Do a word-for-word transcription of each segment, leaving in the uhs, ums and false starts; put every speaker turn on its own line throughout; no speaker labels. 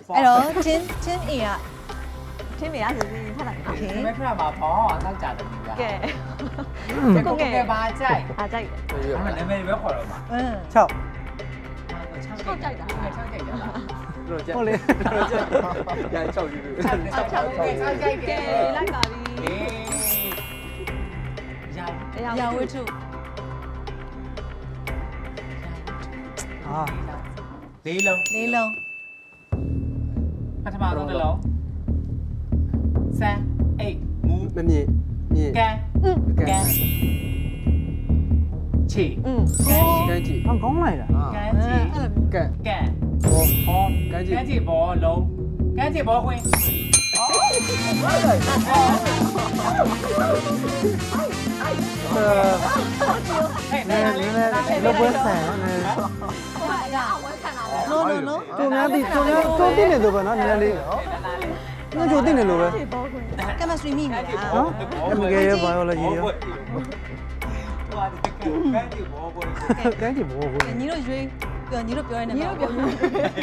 အဲ့တော့ချင်းချင်းအေက
ချင်းမရဆိုပြီးထပ်လိုက်
โอเค
ไม่พลาดมาพอตั้งใจตรงนี้
ကဲ
แกก็แกบาใจ
အားကြိုက်
มันလည်းไม่ပဲခေါ်တော့မှာ
อืม
6
ချောက်ကြိုက်တာချောက်ကြိုက်တာလား
ဟုတ်လေ
ရချောက်ယူ
ချောက်ချောက်ချောက်ကြိုက်ချောက်ကြိုက်
ကဲလိုက်ပါပြီ
အေးရ
ရာဝတ္ထု
အာ
လေးလုံး
လေးလုံး
ပထမဆုံးတစ်လုံးစမ်းအိတ်မူ
မမြင့်မြင့်
ကန်ကန်ချီ
อืม
ကန်
ကန်းကြည့်
ဟောကောင်းလိုက်တာ
ကန်ချီ
ကန်း
ကန်ဘောဟောကန်ချီဘောလုံးကန်ချီဘောခွင်း
အဲ
ဟဲ့
နည်းနည်းလောပွဲဆန်နော်နည်း
ဟိုကအရာအဝဲခံတာပေါ့
no no no
သူများတိသူများသူတိနေလို့ပဲနော်နည်းနည်းလေးငါကြိုတိနေလို့ပဲ
ဘောခွင့်
chemistry မိမိလား
နော်အမကေရ biology ရော
ကန်ချီဘောခွင်း
ကန်းကြည့်ဘောကို
ညီတို့ရွေးပြောညီတို့ပြောရနေ
ညီတို့ပြော
ဟဲ့ဟဲ့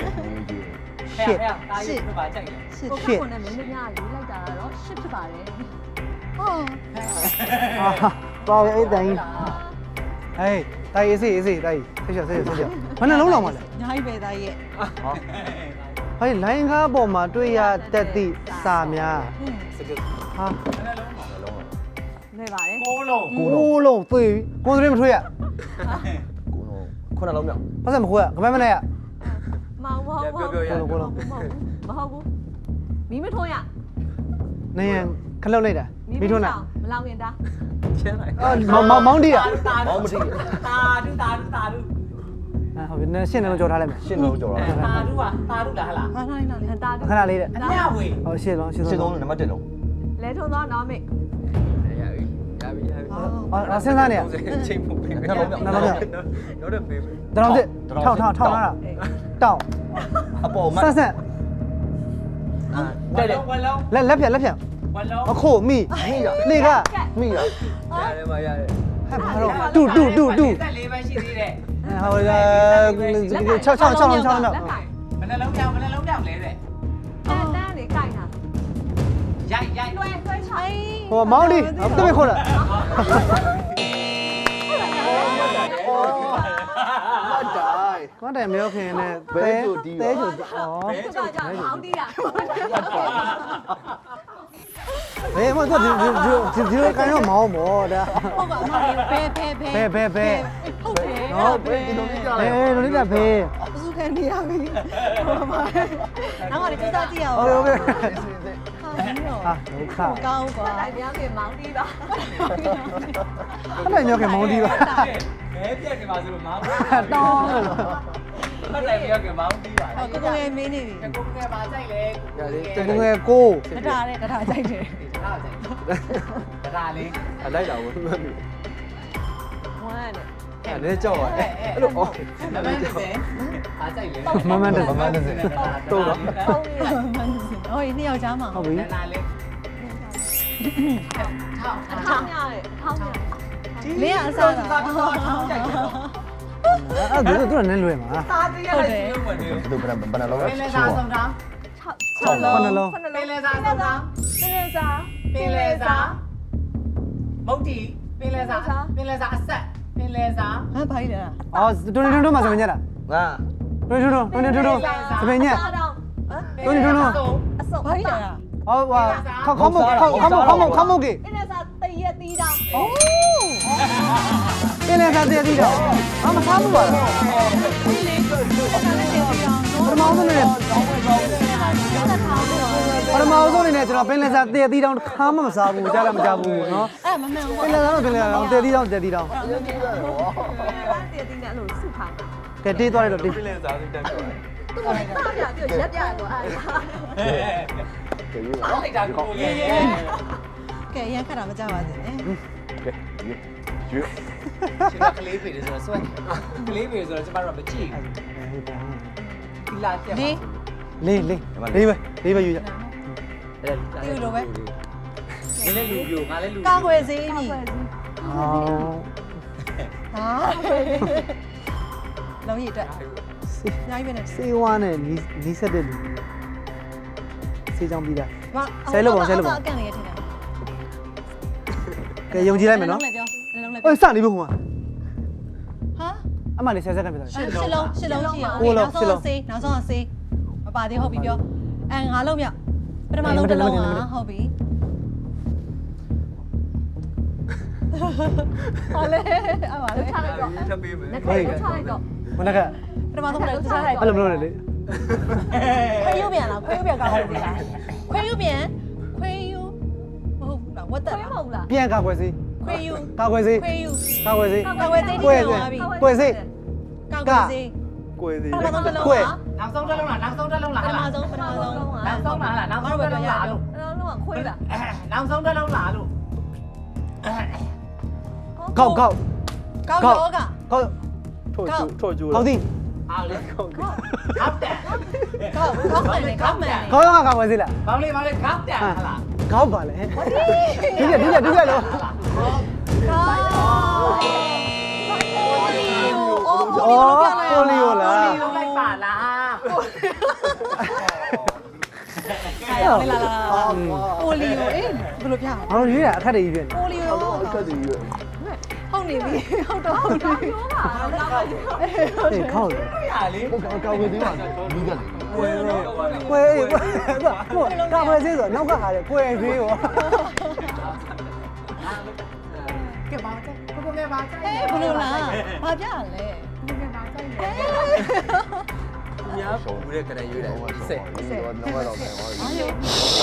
တားရပါကြိုက်တယ်
ရှစ်
ကိုကကိုနဲ့မင်းတို့ညရေးလိုက်တာတော့ရှစ်ဖြစ်ပါတယ်
ဟော
အာတော်ရဲ့အဲ့တိုင်းဟေးတိုင်အေးစေးအေးစေးတိုင်ဆက်ချက်ဆက်ချက်ဆက်ချက်ဘယ်နှလုံးလောက်မှာလဲ
ညာကြီးပဲသားရဲ့
ဟေးလိုင်းကားပေါ်မှာတွေ့ရတတ်သည့်စာများ
อืม
စကစ်
ဟာ
လွယ်ပါတယ်
ကိုလုံး
ကိုးလုံးတွေ့ကိုယ်စရင်းမထွေးရ
ကိုလုံးခုနလုံးမြောက်
ပတ်စံမခွေးရကမန်းမနဲ့ရ
မောင်မောင်မောင်မဟုတ်ဘူးမီးမထွန်းရ
နေရခလုတ်လိုက်တာမိထွန်းတာ
မလောင်ရင်တာ
ချမ်းလိုက်
အော်မောင်မောင်မောင်တီးရ
တာတာတာတူတာတူတာတူ
အဲဟုတ်ပြီနည်းရှင်းနေလို့ကြော်ထားလိုက်မယ်
ရှင်းလုံးကြော်တာ
တာတူပါတာတူလားဟလား
ဟာနိုင်လားလေ
တာတူ
ခဏလေးတဲ့
အမြဝေ
ဟောရှင်းလုံးရှင်း
ရှင်း
လုံး
လုံးနံပါတ်1လုံး
လဲထုံသောနောမစ်
ရပြီရပြီရပြီ
အော်စဉ်းစားနေရ
ချိန်ဖို့ပေးမယ်နောက်တော့ပေးမယ်
တရောင်းစစ်ထောက်ထောက်ထောက်လာတာတောင်း
အပေါ်မ
ဆန်းဆန်း
ဝလုံးဝလုံး
လက်လက်ဖြတ်လက်ဖြတ်
ဝလုံး
အခုမိ
မိရ
လေက
မိရရတယ်မရတယ်
ဟဲ့ဘာလို့တူတူတူတူ
တက်လေးပဲရှိသေးတယ်
ဟောလာ6 6 6 6 6လောက်
လက်ကင်
မနှလုံးပြောင်းမနှလုံးပြောင်းလဲတဲ့
တန်းတန်းလေးကင်တာ
ရိုက်ရိုက်
တွဲတွဲချောင်း
ဟိုမောင်းဒီတမခေါ်လာ
ဟုတ်တိုင်း
ကွန်တိုင်မြောခင်နဲ့တဲတဲချိုဩ
သူကကြောင့်အောင်းတီးတာ
ဘယ်မှာသူဒီဒီဒီလိုကန်တော့မောင်းမောဒါ
ဟုတ်ပါအမလေးဘဲဘဲဘဲ
ဘဲဘဲဘဲ
ဟုတ်တယ်
နော်ဘယ်ဒီလိုလေးကြလဲဘယ်လိုလေးကြဘဲ
အစုခံနေရပြီဟုတ်ပါနောက်မှလည်းစကြည့်ရအောင်
ဟုတ်ဟုတ်ကဲ့
ဟာ
ဟာဒုက္ခ
ကောင်းကွာ
တိုင်ပြောင်းပြင်မောင်းတီးပါ
အဲ့ဒါမြောခင်မောင်းဒီပါ
ဘဲပြက်နေပါဆိုလို့မောင်း
တောင်း
မတိုင်ပြောကမောင်းပြီးပါ
ဟောကိုကိုငယ်မင်းနေပြီ
ကိုကဲပါကြိုက်လေ
တကငယ်ကို
တထားတဲ့တထားကြိုက်တယ်
ဒါကြိုက်ဒါလေး
အလိုက်တာဘူးမှတ်ပြီ
ဝမ်းနဲ့
အဲ့ဒါကြောက်ပါအဲ့လိုအော်
မမန်းတဲ့ပါကြိုက်လေ
မမန်တဲ့
မမန်းတဲ့တော့တော့
ပုံးရ
ဟိုနှစ်ယောက်ချားမှာ
ဟုတ်ပြီ
ဒါလေးထောက်
အထောင်းရတယ်အထောင်းရတယ်
လင်းအစားတာ
ထောက်ထောက်ထောက်ကြိုက်တယ်
အဲ့ဒါတို့လည်းလွယ်မှာ
သားတည်းရတယ်ရုပ်ဝင်တယ်
သူဘယ်ဘယ်နှလုံး
ပင်လေစာဆုံးတောင်း
6
လုံးလုံး
ပင်လေစာဆုံးတောင်း
ပင်လယ်စာ
ပင်လေစာမုတ်တီပင်လေစာပင်လေစာအဆက်ပင်လေစာ
ဟမ်ဘာကြီးလဲ
အော်တွန်းတွန်းတွန်းမှာစပင်ညက်လား
ငါ
တွန်းတွန်းတွန်းတွန်းတွန်းစပင်ညက်
စားတော့
ပင်လေစာ
အစုံ
ဘာကြီးလဲ
ဟောဟာခေါခေါမခေါခေါမခေါမခေါမကေ
ပင်လယ်စာတရက်တီးတောင်း
ပင်လည်းစားသေးသေးတော့အမစားဘူးပါလားပထမဆုံးနေပထမဆုံးနေနဲ့ကျွန်တော်ပင်လည်းစားသေးသေးတောင်ခါမှမစားဘူးကြားလည်းမကြားဘူးနော်
အဲ့မမှန်ဘူး
ပင်လည်းစားတော့ပင်လည်းစားသေးသေးတောင်သေးသေးတောင်
တရက်တီးနဲ့အဲ့လိုစုထားတာ
ကဲတေးသွားလိုက်တော့တေး
ပြင်းစားစစ်တန်းပြောတယ်
သူကတားပြပြီးရက်ပြရတော့အဲ့ဒါ
ကဲယူပါ
လိုက်တာကိုရဲ့
ကဲရန်ခတ်တာမကြပါစေနဲ့
ကဲယူယူ
ရှင်ကကလေးပေတယ်ဆိုတော့ဆွဲကလေးပေဆိုတော့ကျမတို့ကမကြည့်ဘူးဒီလာတက်
လေး
လေးလေးလေးပဲလေးပဲယူကြ
ဒီလိုပဲ
နင်းလည်းလူပြိုငါလည်းလူ
ကာကွယ်စေးပြီ
အော်
ဟာလုံးရည်အတွက်ညာကြီးပဲနဲ့
စေးဝါးနဲ့နီးနီးဆက်တဲ့လူဆေးချောင်းပြီးသား
အကန်လေးရထင်တယ်
ကဲယုံကြည်လိုက်မယ်နော်
လည်းပြောလည်းလည်း
အေးစနေပြီဟိုမှာ
ဟာ
အမှန်လေးဆယ်စက္ကန့်ပြသွား
ရှစ်လုံးရှစ်လုံးရှိအောင်နောက်ဆုံးဆေးနောက်ဆုံးဆေးမပါသေးဟုတ်ပြီပြောအဲငါလုံးမြောက်ပထမလုံးတစ်လုံးอ่ะဟုတ်ပြီဟာလေအပါလေ
ချလိုက်တော့
ထပ်ပေးမယ်
လက်ခဲချလိုက်တော့
မနက်က
ပထမဆုံးတစ်လုံး
အဲ့လိုမလုပ်နဲ့လေ
ခွေးယူပြန်လားခွေးယူပြန်ကောင်းပြီလားခွေးယူပြန်ခွေးယူမဟုတ်ဘူးလားဝတ်တက်
ခွေးမဟုတ်လား
ပြန်ကာကွယ်စေး
ခွေးယူ
ကာကွယ်စေး
ခွေးယူ
ကာကွယ်စေး
ကာဝယ်သိနေသွားပြီ
ကွယ်စေး
ကာဝယ်သိ
ကိုယ်စီ
ပထမဆုံးတစ်လုံး
ကွယ်
อ่ะ
နောက်ဆုံးတစ်လုံးလားနောက်ဆုံးတစ်လုံးလား
ပထမဆုံးပထမဆုံး
နောက်ဆုံးလားနောက်ဆုံးတစ်လုံးလားလို့
အဲ့တော့ခွေးလား
နောက်ဆုံးတစ်လုံးလားလို့
ကောက်ကောက်
ကောက်ရောက
ကောက်
ထို့ကျူထို့ကျူ
ကောက်သည်
အားလေကောက်ကောက်တယ်
ကောက်ကောက်မယ်လေကောက်မယ်
ကောက်ရောကာကွယ်စေးလား
ဘောင်းလေးဘောင်းလေးကောက်တယ်ဟလား
ကောက်ပါလေဒီကဒီကဒီကလို့
ကောက်အိုး
အော်ပိုလီယိုလား
လုံးလိုက်ပါလား
လာလာလာပိုလီယိုအေးဘယ်လိုပြအောင်
ဘာလို့ရွေးတာအခက်တည်းကြီးဖြစ်နေ
ပိုလီယို
အခက်တည်းကြီး
ဟုတ်နေပြီဟုတ်တော့ဟုတ်နေပြီ
အေးခေါက်တယ်
ရလေ
ကောက်ဝေးသေးပါမီးကလည်း
ကွယ်လို့
ကွယ်အေးကွယ်ဟိုကာကွယ်စေးဆိုနောက်ကဟာလေကွယ်သေးရော
ကဲပါတဲ့ကိုကိုငယ်ပါတဲ့
အေးဘယ်လိုလားဘာပြရလဲ
ကိုငယ်ပါတဲ့ ညာဘူးတဲ့ကလေးရွေးတယ်ဆက်
ဆက်တော့တော့မယ်ဟော
အားလေ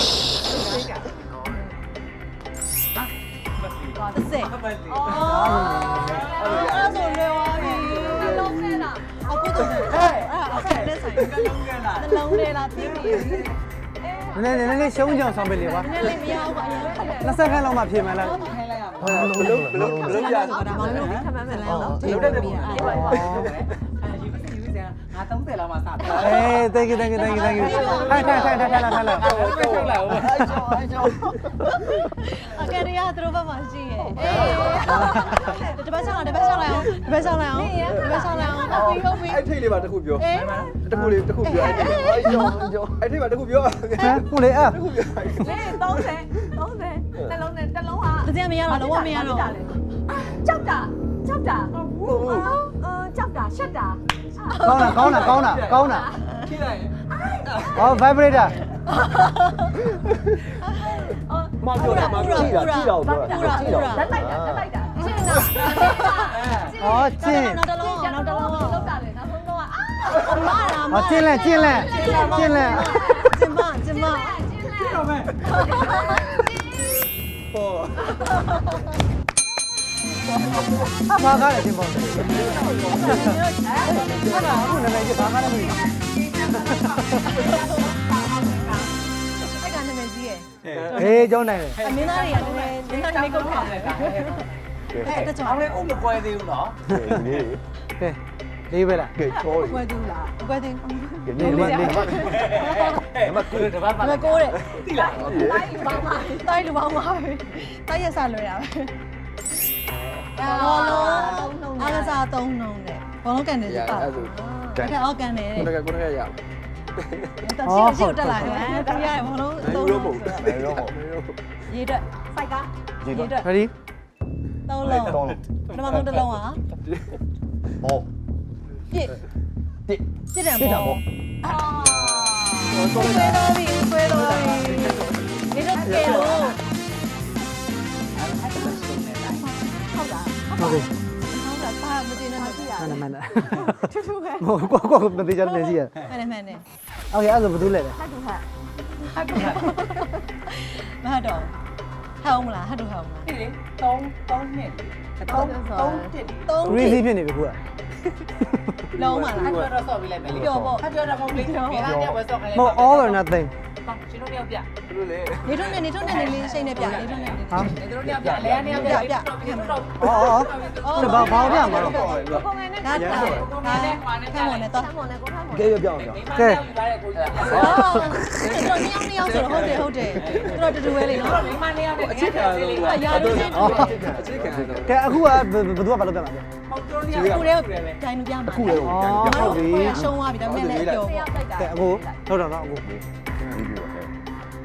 တစ်စက်
မပတ်လီ
အော်အဲ့ဆိုလွယ်သွားပြီ
လုံးနဲ့လား
အခုတော့အဲ့အဲ့လက်ဆိုင်
ကလုံးကလား
နှလုံးလေးလားပြီးပြီ
နည်းနည်းနည်းနည်းရှုံးကြအောင်ဆောင်ပေးလေပါ
နည်းလေးမရဘူးအရင်ခက်တယ်
နှစ်စက္ကန့်လောက်မှပြင်မယ်လား
ခိုင်းလိုက်ရမှာ
ဘလုံးဘလုံးဘလုံးရ
ဒါမှမဟုတ်ခက်မှန်းမယ်လား
လုံးတဲ့ပုံအဲ့ပါပါအဲဒီမစီဘူးစင်ငါသုံးဆယ်လောက်မှစတယ်
အေး thank you thank you thank you thank you ထိုင်ထိုင်ထိုင်ထိုင်ထိုင်လာထိုင်လာ
ပဲထုတ်လာဦး
အဲ့ကျော်အဲ့ကျော်
အကယ်ရီးယားသူတို့ဘက်မှာရှိရဲ့အေးတပတ်ဆောင်တပတ်ဆောင်လိုက်အောင်တပတ်ဆောင်လိုက်အောင်တပတ်ဆောင်လိုက်အောင်ဟုတ်ပြီဟုတ်ပြီ
အဲ့ထိတ်လေးပါတစ်ခုပြော
အေး
တစ်ခုလေးတစ်ခုပြောအဲ့ကျော်အဲ့ကျော်အဲ့ထိတ်ပါတစ်ခုပြော
ဟမ်ဟုတ်လေအဲ့
တစ်ခုပြော
လေသုံးဆယ်သုံးဆယ်နှလုံးနဲ့တစ်လုံးဟာ
တကယ်မရတော့လုံးဝမရတော့
ကြောက်တာကြောက်တာအာကြောက်တာရှက်တာ
ကောင်းတာကောင်းတာကောင်းတာကောင်းတာ
ထိလိုက်
ဟော vibrator
မပြောတာမပြောကြည့်တာကြည့်တော့ပြောတာကြည့်တော့
တက်လိုက်တာတက်လိုက်တာရှင်းတာ
ဟောကျင်း
နောက်တစ်လုံးနောက်တစ်လုံး
လောက်တာလေနောက်ဆုံးတော့အာ
အမလာ
ဟောကျင်းလဲကျင်းလဲကျင်းလဲ
ကျမကျမ
တော့မယ်ဟော
ဘာကားလဲကျင်းပေါ့ဟုတ်လားအခုနာမည်ကြီးဘာကားလဲမသိဘူး
အဲ့ကနာမည်ကြီးရဲ့
ဟေးကျောင်းနိုင်တယ်
အမင်းသားတွေကလည်းမင်းသားတွေကုတ်ထားတယ်အဲ့တကြော
အောင်လေအုံမကွဲသေးဘူးနော်
နေ
ကဲလေးပဲလား
ကဲချော
ဘွယ်သူလားဘွယ်သူ
နေနေနေ
မကူတပတ်ပါ
ဘယ်ကိုးတဲ့
တိလား
လိုက်ပါပါ
တိုင်းလူပေါင်းပါပဲတိုင်းရစလွယ်တာပဲဘောလုံးအားကစားသုံးနှုံးတယ်ဘောလုံးကန်တယ်ပါ
အဲ့ဆို
တကယ်အောက်ကန်တယ်
ကိုတကကိုတကရ
တချို့ချို့တက်လာတယ်သူရတယ်ဘောလုံး
နေ
သုံး
ရော
နှုံး
မဟုတ်နေရောမဟုတ်
ရေးတက်
စိုက်ကား
ဒီ
ရေး
တော့
တက်
ready
သုံးလုံး
တော့
ပထမဆုံးတစ်လုံးဟာ
ဟော
ပြစ်
တစ်
ပြစ်တယ်
တစ်တာ
ပေါ့
ပေါ့
အာ
ဆွဲတော့ပြီဆွဲတော့ပြီဒီတော့ကဲလို့
ဟုတ်တာ
ဟုတ်ပြီ
ဟောတာပါမတင်နဲ့ဟုတ်ရ
မှန်တယ်မှန်တယ်
ထူးထူးပဲ
ဟိုကိုကိုမသိကြတယ်စီရ
မှန်တယ်မှန်တယ်
โอเคအဲ့ဒါဘာလို့လဲလဲ
ဟတ်တူဟတ်
မဟုတ်တော့ဟောင်းမလားဟတ်တော့ဟောင်းမလား
ဒီလေသုံးသုံးနှစ်သုံးသုံးတစ်
သုံး
crazy ဖြစ်နေပြီခုက
လုံးမလား
အဲ့တော့ဆော့ပြီးလိုက်မယ်လေအဲ့တော့မဟုတ်လေမင်းသားကဝယ်ဆော့ခိုင်း
မဟုတ် all or nothing
ရှင်တို့တယောက်ပြ
ဘလို့လေ
နေထုံးနေနေထုံးနေနေလေးစိတ်နဲ့ပြနေထုံးနေနေ
ဟာ
နေတို့တယောက်ပြလဲနေယောက်ပြပြပြတော့
အော်အော်ဘာဘာပြမှာတော့
ကိုကိုငယ်နဲ့
ဒါတာဒါနဲ့ခမ်းမနဲ့တော့
ဆမ်းမနဲ့ကိုခမ်းမ
ကဲပြောင်းပြောင်း
မိမတယောက်ယူပါတဲ့ကိုကြီး
အော်တော်နှစ်ယောက်နှစ်ယောက်ဆိုတော့ဟုတ်တယ်ဟုတ်တယ်တော်တူတူပဲလေနော်
မိမနှစ်ယောက်နဲ့အချစ်ခံလို့
ရာလို့ချင်းတူတယ်
အချစ်ခံတော့
ကဲအခုကဘယ်သူကဘာလုပ်ပြမှာလဲ
ဟုတ်တို့နှစ်ယောက်
ခုတည်းတိုင်လူပြမှာ
အခုလေ
အော်ဟုတ်ပြီ
ရှုံးသွားပြီဒါပေမဲ့လည်းပြော
တယောက်တိုက်တာ
ကဲအခုဟုတ်တော့တော့အခု
ဒီပြောဟဲ့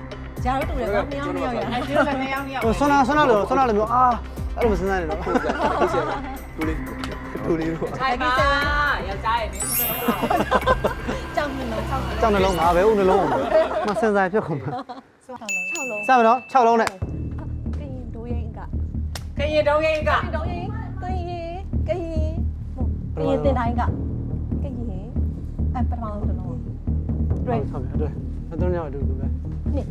ဂျာတို့တူတယ်ကွာနှစ်ယောက်နှစ်ယောက်ရ
အဲ့ဒီလည်းနှစ်ယောက်နှစ်ယောက်
ဟိုဆွမ်းနာဆွမ်းနာလို့ဆွမ်းနာလို့မျိုးအာအဲ့လိုမစဉ်းစားနဲ့တော့
တူလေးတူလေးတို့
ထိုင်ပါယောက်ျားရဲ့နင်းဆုံးတော့
ကြောက်နေလို့ကြောက်နေ
ကြောက်နှလုံးငါပဲဦးနှလုံးမစဉ်းစားဖြစ်ကုန်မှာ
6လုံး
6လုံး
စမယ်နော်6လုံးနဲ့
ကရင်ဒိုးရင်က
ခရင်တုံးရင်က
ဒိုးရင်ကရင်ကရင်ကရင်တင်တိုင်းကကရင်အပထမဆုံးတစ်လုံး
တွေ့ဟုတ်ပြီတွေ့အတုံးရောက်အတူတူပဲ
နှစ်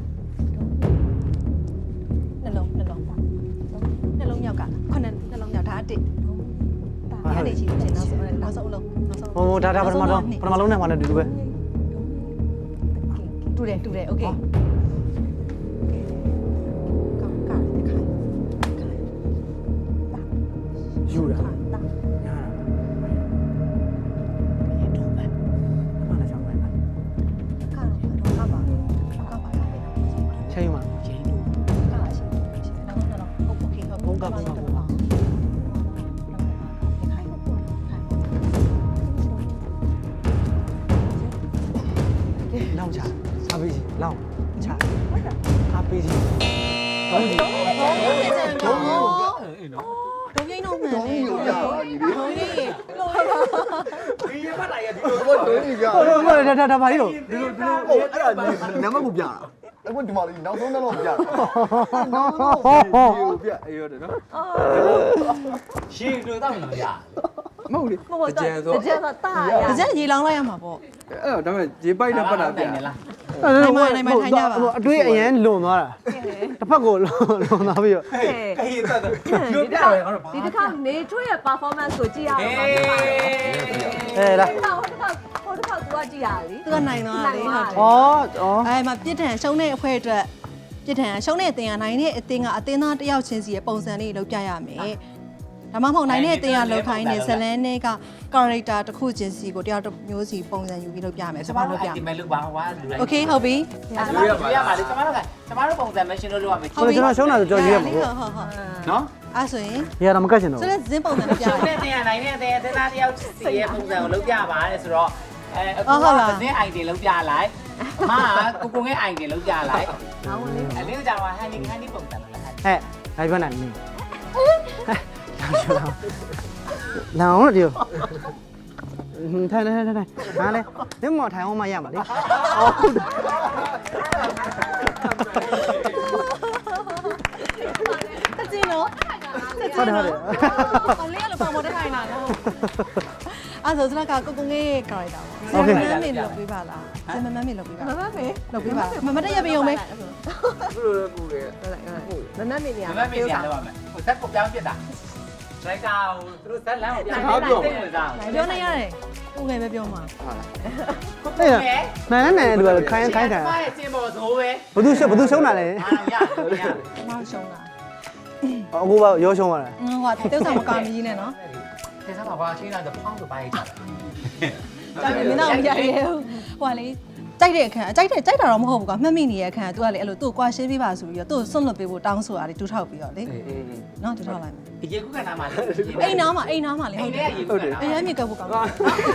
နှလုံးနှလုံးနှလုံးမြောက်ကခုနှစ်နှလုံးမြောက်ဒါအတစ်ဒါအဲ့ဒီရှိတယ်နောက်ဆုံးနောက်ဆုံးလုံးနောက်ဆုံး
ဟိုဒါဒါပထမဆုံးပထမလုံးနဲ့မှလည်းအတူတူပဲ
တူတယ်တူတယ်โอเคကောင်းကားတခိုင်
ယူတာ
တာ
ညာရေတော့ပဲအမှန်လည်းချောင်းပဲ
ကားတော့ကားပါကားပါ
ချိန်မှာ
ကားရှိရှိနောက်ဆုံးတော့ဟုတ်โอเคဟုတ်
ဘုံကဘုံကဘုံက
ခိုင်ဟုတ်ခိုင်
လောင်းချစားပေးစီလောင်းချအားပေးစီတောင်းစီ
ဘုံပြင်းတော့မှန်တယ်
တူရညီလေး
ဘုံကြီး
ဒီရပတ်လိုက်ရဒီလို
ဘာတူရ
ဟိုတော့ဒါဒါဒါပါလိတော့
ဒီလိုဒီလို
ဟိုအဲ့ဒါနံပါတ်ကိုပြတာအဲ့ဒီမှာနောက်ဆုံးတော့ပြတာနောက်ဆုံးတော့ပြအေးရတယ်နော်
ရှင်းလို့တော့မလို့ရ
မဟုတ်လေ
မဟုတ်တော့ကြံတော့တာရ
တကြက်ရေလောင်းလိုက်ရမှာပေါ့
အဲ့တော့ဒါပေမဲ့ရေပိုက်နဲ့ပတ်တာပြ
လား
အတွေးအရင်လွန်သွားတာတစ်ဖက်ကိုလွန်သွားပြီးတော့
ခရင်တက်တယ်ပြောပြရတယ်ငါတို့
ဒီတစ်ခါနေထွေးရဲ့ performance ကိုကြည့်ရအောင်
ဟေး
အဲလား
ဟိုတစ်ခါဟိုတစ်ခါ तू ကကြည့်ရလေ
သူကနိုင်သွားတာလေဟုတ်တယ်
ဩဩ
အဲမှာပြစ်ဒဏ်ရှုံးတဲ့အဖွဲအတွက်ပြစ်ဒဏ်ရှုံးတဲ့အတင်ကနိုင်တဲ့အတင်ကအတင်သားတယောက်ချင်းစီရဲ့ပုံစံလေးလောက်ပြရမယ်ဒါမှမဟုတ်နိုင်တဲ့အတင်ကလောက်ခိုင်းနေဇလန်းနဲ့က character တစ်ခုချင်းစီကိုတယောက်တစ်မျိုးစီပုံစံယူပြီးလောက်ပြမယ်ဆိုပါလို့ပြမယ်
ဒီမဲ့လို့ပါဟွာလူလိုက်
โอเคဟုတ်ပြီ
ကျမတို့ပြရပါလေကျမတို့ကကျမတို့ပုံစံမရှင်းလို့လုပ်ရမယ်
ကျွန်တော်ကျွန်တော်ရှုံးတာဆိုကြော်ရွေးရမှာပေါ့
ဟုတ်ဟုတ်ဟုတ်
နော်
အဲ့ဆိုရင်
ရတာမကတ်ချင်တော့
ဆိုတော့ဇင်းပုံစံနဲ့ပြရ
ရှုံး
မ
တဲ့
ယ်
တင်ရနိုင်တဲ့တင်တင်သားတယောက်စီရဲ့ပုံစံကိုလုပ်ပြပါတဲ့ဆိုတော့အဲအခုကဇင်းအိုင်တင်လုပ်ပြလိုက်အမကကိုကိုငဲအိုင်တင်လုပ်ပြလိုက်
ငါဝင်လေး
အလင်းကြောင်ကဟန်နီဟန်နီပုံစံလုပ်လိုက်
ဟဲ့အဲ့ဘယ်နဲ့နေလောင်းလို့ဒီထိုင်ထိုင်ထိုင်ထိုင်ဟာလေဒီမော်ထိုင်အောင်မရမှာလေဩ
တကြင်းနော်
ဟုတ်တယ်ဟုတ်တယ်
အောင်လေးကလည်းပုံပေါ်တက်ထိုင်တာနော်အဲ့ဆိုစလကကိုကိုငယ် character ပေါ့ဇင်းမန်းမေလုပ်ပေးပါလားဇင်းမန်းမေလုပ်ပေးပါ
မမမေ
လုပ်ပေးပါမမတက်ရပြုံမေ
ဘယ်လိုလဲကိုလေ
မမမေနေရ
မမမေးပြန်လုပ်ရမယ်ဟိုဇက်ကိုပြောင်းပြစ်တာဒရိုက်တာဟိုသူတို့ဇက်လမ်းကိုပြောင်းဝင်စား
ပြောနေရတယ်ကိုငယ်ပဲပြောမှာ
ကိုကိုငဲ
နိုင်နဲ့နိုင်တူကခိုင်းခိုင်းတယ်
မရဲ့စင်ပေါ်ဇိုးပဲ
ဘသူရှုံးဘသူရှုံးတာလဲ
အားရရတယ်
မောင်ရှုံးတာ
အခုကရောရှုံးသွားတာ
ဟိုကတေးဆောင်မကာမကြီးနဲ့နော်
ဒီစားမှာဘာချင်းလာတော့ဖောင်းဆိုပါရဲ့ကြာတယ်
ကြောက်တယ်မင်းတော့မရရဲဘူးဟိုကလေကြိုက်တဲ့အခန်းကြိုက်တဲ့ကြိုက်တာတော့မဟုတ်ဘူးကွာမှတ်မိနေတဲ့အခန်းက तू ကလေအဲ့လိုသူ့ကိုကွာရှင်းပေးပါဆိုပြီးတော့သူ့ကိုစွန့်လွတ်ပေးဖို့တောင်းဆိုတာလေတူထောက်ပြီးတော့လေနော်တူထောက်လိုက်မယ်
ဒီရေကူးကနာမှာလေ
အိမ်နားမှာအိမ်နားမှာလေ
အိ
ဟုတ်
မ်
တယ်
ထဲရေကူးကနာ
အရင်မြေကပ်ဖို့ကောင်းတယ်
ဟာ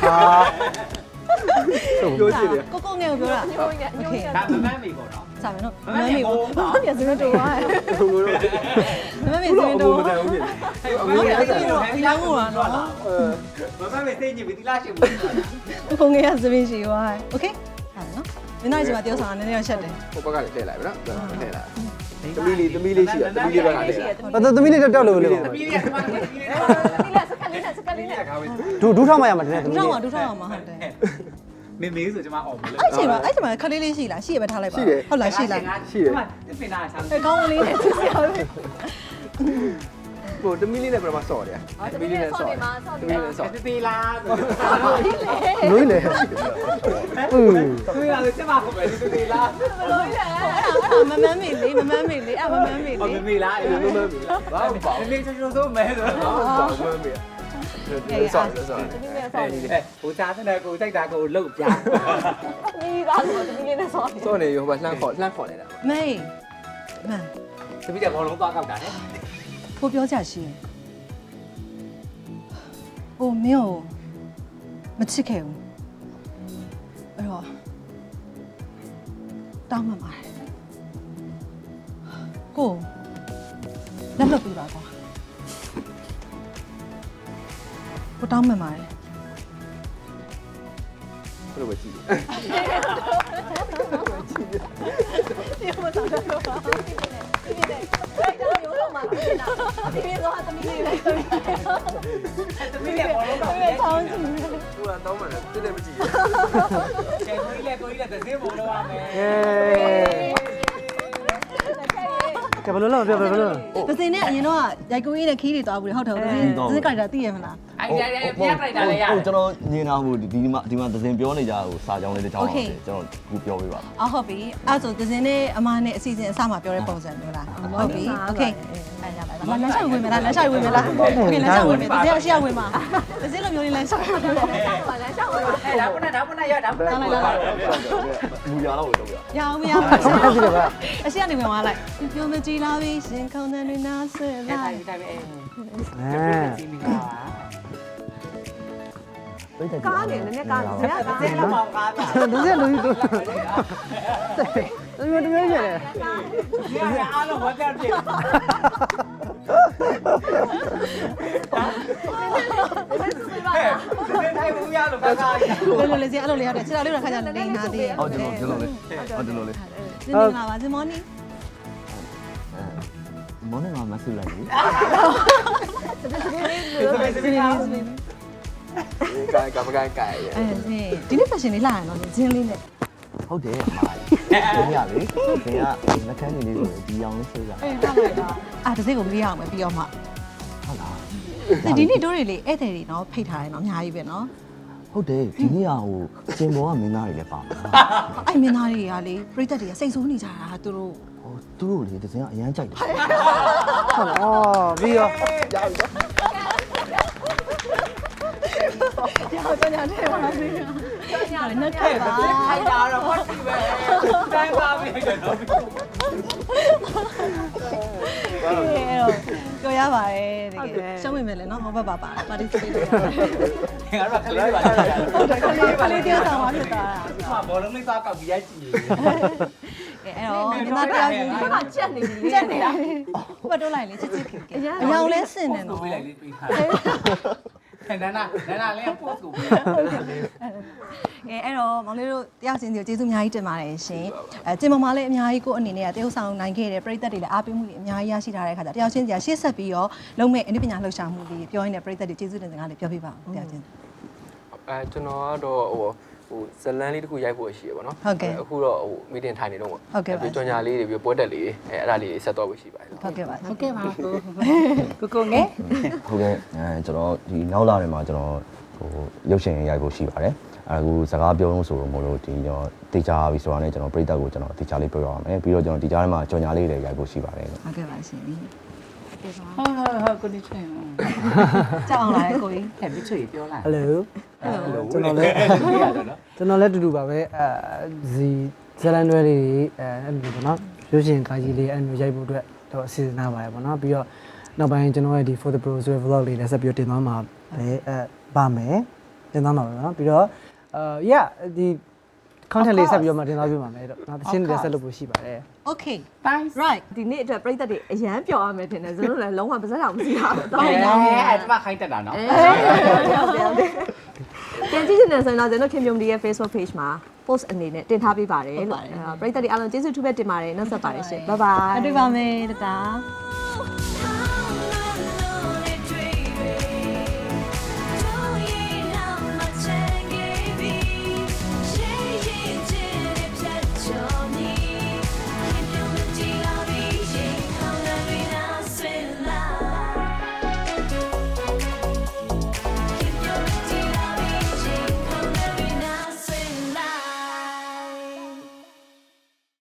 ပြောချင်တယ်
ကိုကိုငယ်ကိုပြောတာ
ညိုညညိုည
ဒါမမန်းမေပေါ့နော်
စာမယ်နော်မမမေဘူးမမမေစမတူပါ
ဘုံလို့
မမမေစမတူ
မတန်ဘူးပြင်
ဟုတ်တယ်အဲ့ဒီတော့ဒီလောင်းကိုတော့နော်
မမမေသိညပြီဒီလားရှင်ဘူး
ကိုကိုငယ်ကစပင်းရှိသွားโอเคဟာနော်မင်းတို့ဒီမှာတယောက်ဆောင်နည်းနည်းတော့ချက်တယ်
ဟိုဘက်ကလည်းထည့်လိုက်ပြီနော်ထည့်လိုက်သမီးလေးသမီးလေးရှိရသမီးလေးဘက်ကထည့်လိုက်
ဘာသမီးလေးတောက်လို့လေ
သမီးလေးကသမီးလေး
ဒီလက်စကလေးနဲ့စကလေးနဲ့
ဒူဒူထောက်မှရမှာတကယ်သမီး
ဒူထောက်
လေး
မှာဒူထောက်မှာဟုတ်တယ်
မင်းမေးဆိုကျွန်မအော်မလို့
အဲ့ချိန်မှာအဲ့ချိန်မှာခလေးလေးရှိလားရှိရပဲထားလိုက်ပါဟုတ်လားရှိလား
ပင်နာချမ်း
အဲကောင်းလေးနဲ့သူစရာပဲ
ဟိုသမီးလေးနဲ့ပြမဆော့တယ်သမီးလေးနဲ့ဆော့သမီးလေးနဲ့ဆော့
တေးသေးလားဆို
လွိလေอือ
သူရလေချက်မခုပဲတေးသေးလား
လို့ရအဲ့ဒါမမန်းမေလေးမမန်းမေလေးအဲ့မမန်းမေ
အော်
လေး
မေးလားအဲ့လိုမျိုး
ဘာမှမပေါ့
မေးချင်လို့ဆိုမဲဆို
ဘာမှမပေါ့မမေးဆော့ဆော့
ဒီနေ့ဆော
အဲ့
င်း
ဒီ
နေ
ဟိုစားတဲ့ကိုစိုက်တာကိုလှုပ်ပြ
ဒီကားဆိုဒီနေ့နဲ့ဆောင်းနေ
ဆော့နေရောဟိုလှမ်းခေါ်လှမ်းခေါ်နေတာ
မေမန်
တပည့်တဲ့ဘောလုံးသွားကောက်တာလေ
ကိုပြောကြရှိဟိုမင်းကိုမချစ်ခဲ့ဘူးအဲ့တော့တောင်းမှပါတယ်ကိုလက်လွတ်ပြပါကွာကိုတောင်းမှန်ပါတယ်
ဘယ်လိုပဲကြည့်လဲ
ဒီမှာတော့တော့ဒီနေ့အဲ့ဒါမျိုးတော့မှပြင်တာဒီနေ့တော့သမီးလေးလေးဆိုပြီး
သမီးလည်းဘောလုံးတော့
အဲ့ဒါချောင်းစီ
သူကတော့မှလည်းတက်တယ်မကြည့်
ကဲကိုကြီးလည်းကိုကြီးလည်းတစ်စင်းဘောလုံးရမယ်
ကဲဘယ်လိုလုပ်ပြဘယ်လိုလုပ်
ဒဇင်နဲ့အရင်တော့ရိုက်ကူးရေးနဲ့ခီးတွေသွားဘူးလေဟုတ်တယ်ဒဇင်ဒဇင်ကြိုက်တာသိရမလား
အဲ့ဒါလည်းပြပလိုက်တာလည်းရတယ်
ဟုတ်ကျွန်တော်ညင်တာဟိုဒီမှာဒီမှာသစင်ပြောနေကြဟိုစာကြောင်းလေးတစ်ချောင်းအောင်ကျွန်တော်ခုပြောပေးပါ
အော်ဟုတ်ပြီအဲ့ဆိုဒဇင်နဲ့အမနဲ့အစီအစဉ်အစမှာပြောတဲ့ပုံစံမျိုးလားဟုတ်ပြီโอเคအဲ့ရပါလားလမ်းလျှောက်ဝင်မလားလမ်းလျှောက်ဝင်မလားโอเคလမ်းလျှောက်ဝင်မယ်ဒဇင်အရှိရဝင်မှာဒဇင်လိုမျိုးလေးလမ်းလျှောက်ဝင်မှာ
ပါလမ်းလျှောက်ဝင်
အဲ့ဒါပုဏ္ဏဒါပုဏ္ဏရဒါပုဏ္ဏလာလာ
လူရတော့တော့ပြ
ရအောင်မရဘူးအရှိရနေဝင်သွားလိုက်ပြောမကြည့်လားပြီရှင်ခုံတဲ့တွေနားဆွဲ
အဲ့ဒါ
လိုက်
ဒီတိုင်းပဲ
အဲ
စီမီကာပါ
ကားနေနည်းနည်းကားနေဇက်ကား
စင်းလောက်ပါကားပြ
ဒဇင်လူကြီးတို့တမျိုးတမျိုးရတယ်
ဒီကအားလုံးဝတ်တယ်ဖြစ် ဟဲ့ဒီတိုင်းဘူးရလို့ကားကားကြီး
လိုလိုလေးစီအဲ့လိုလေးရတယ်ခြေတော်လေးတော့ခါကြနေနာသေးတယ်
ဟုတ်ကျွန်တော်ကျွန်တော်လေးဟုတ်ကျွန်တော်လေး
ဇင်နေလာပါဇင်မော်နီ
မောင်နဲ့မဆူလိုက်ဘူး
စပင်းစပင်းကား
ကိုင်ကမကိုင်ကိုင်ရ
အဲဇင်ဒီနေ့ fashion လေးလာရတော့ဇင်လေးနဲ့
ဟုတ်တယ်အမကြီးရလေခင်ဗျာနှကန်းနေလေးကိုဒီအောင်လေးဆွဲကြ
အေးဟုတ်ပါလားအာတစ်စိတ်ကိုမေးရအောင်ပဲပြီးတော့မှ
ဟုတ်လား
ဒီနေ့တို့တွေလေဧည့်သည်တွေနော်ဖိတ်ထားတယ်နော်အများကြီးပဲနော်
ဟုတ်တယ်ဒီနေ့ကဟိုစင်ပေါ်ကမင်းသားတွေလည်းပါမှာ
အဲ့မင်းသားတွေကလေပြိသက်တွေကစိတ်ဆိုးနေကြတာသူတို့
ဟိုသူတို့လေတစ်စင်ကအရန်ကြိုက်တယ်
ဟုတ်အော်ပြီးတော့
ကြောက်ကြတယ်ပါစေကြောက်နေတယ်ပါ
ခိုင်တာတော့ဖတ်ကြည့်ပဲတိုင်းပါပြီတော့
ပြောရပါတယ်တကယ်ရှုံးမိမယ်လေနော်ဟောဘက်ပါပါပါတီစပေးလို့ရတယ်
ငါတို့ကလေးပါလာတာ
ဟုတ်တယ်ကလေးကလေးတယောက်ဆောင်ပါဖြစ်သွားတာ
ဒီမှာဘောလုံးလေးစားကောက်ပြီးရိုက်ကြည့်
ကဲအဲ့တော့ဒီမှာတယောက်ယူ
ဒီမှာချက်နေပြီ
ချက်နေတာဘတ်တိုးလိုက်လေချစ်ချစ်ခင်ခင်အယောင်လဲစင်နေနော်
ပေးလိုက်လေးပေးထားတယ်နာနာနာနာလေးပို့ကိုပေး
ကဲအဲ့တော့မောင်လေးတို့တယောက်ချင်းစီကိုကျေးဇူးအများကြီးတင်ပါတယ်ရှင်အဲကျင်မမလေးအများကြီးကိုအနေနဲ့ကတယောက်ဆောင်နိုင်ခဲ့တဲ့ပြည်သက်တွေလည်းအားပေးမှုတွေအများကြီးရရှိထားတဲ့အခါကျတယောက်ချင်းစီကရှေ့ဆက်ပြီးတော့လုံးမဲ့အနည်းပညာလှူရှာမှုတွေပြောရင်းနဲ့ပြည်သက်တွေကျေးဇူးတင်စကားလေးပြောပြပါဦးတယောက်ချင်း
အဲကျွန်တော်ကတော့ဟိုဟိုဇလန်လေးတစ်ခုရိုက်ဖို့ရှိရပါတော့အခုတော့ဟိုမီတင်ထိုင်နေတော့ပေါ့ပြီးကြော်ညာလေးတွေပြီးပွဲတက်လေးအဲအဲ့ဒါလေးဆက်တော့ဖို့ရှိပါတယ်
ဟုတ်ကဲ့ပါ
ဟုတ်ကဲ့ပါကိုကိုငယ်
ဟုတ်ကဲ့အဲကျွန်တော်ဒီနောက်လာတွေမှာကျွန်တော်ဟိုရုပ်ရှင်ရိုက်ဖို့ရှိပါတယ်အခုစကားပြောလို့ဆိုတော့မလို့ဒီကျွန်တော်တေချာပြီဆိုတာနဲ့ကျွန်တော်ပြိတ္တကိုကျွန်တော်တေချာလေးပြောရအောင်မယ်ပြီးတော့ကျွန်တော်ဒီကြားထဲမှာကြော်ညာလေးတွေရိုက်ဖို့ရှိပါတယ်
ဟုတ်ကဲ့ပါရှင်
ဟုတ်ဟုတ်ဟုတ်ကိုဒီချင်
ကြောက်အောင်လားကိုကြီး
ဟဲ့ပြီးချွေပြောလာ
ဟယ်လိုကျွန်တော်လည်းကျွန်တော်လည်းတူတူပါပဲအဲဇီဇလန်တွေလေးအဲအဲ့လိုပေါ့နော်ရုပ်ရှင်ကားကြီးလေးအဲ့လိုရိုက်ဖို့အတွက်တော့အစီအစဉ်ထားပါတယ်ပေါ့နော်ပြီးတော့နောက်ပိုင်းကျွန်တော်ရဲ့ဒီ for the pro ဆိုတဲ့ vlog လေးလည်းဆက်ပြီးတင်သွားမှာပဲအဲပါမယ်တင်သွားမှာပဲနော်ပြီးတော့အာ yeah ဒီ content လေးဆက်ပြီးတော့မှတင်သွားပြမှာမယ်တော့နောက်တစ်ချင်းလေးဆက်လုပ်ဖို့ရှိပါတယ်
Okay
bye
right
ဒီနေ့အတွက်ပြိသက်တွေအရန်ပျော်ရမယ်ထင်တယ်ဇလုံးလည်းလုံးဝပါစက်အောင်မရှိတာတော့
အဲ
ရောင်းနေ
အဲ့ဒီမှာခိုင်းတက်တာနော်
ပြန်ကြည့်နေဆိုရင်တော့ကျွန်တော်ခင်ဗျုံဒီရဲ့ Facebook page မှာ post အနေနဲ့တင်ထားပေးပါတယ်လို့ပြိသက်တွေအားလုံးကျေးဇူးထူးပဲတင်ပါတယ်နောက်ဆက်ပါတယ်ရှင် bye bye
တွေ့ပါမယ်တတာ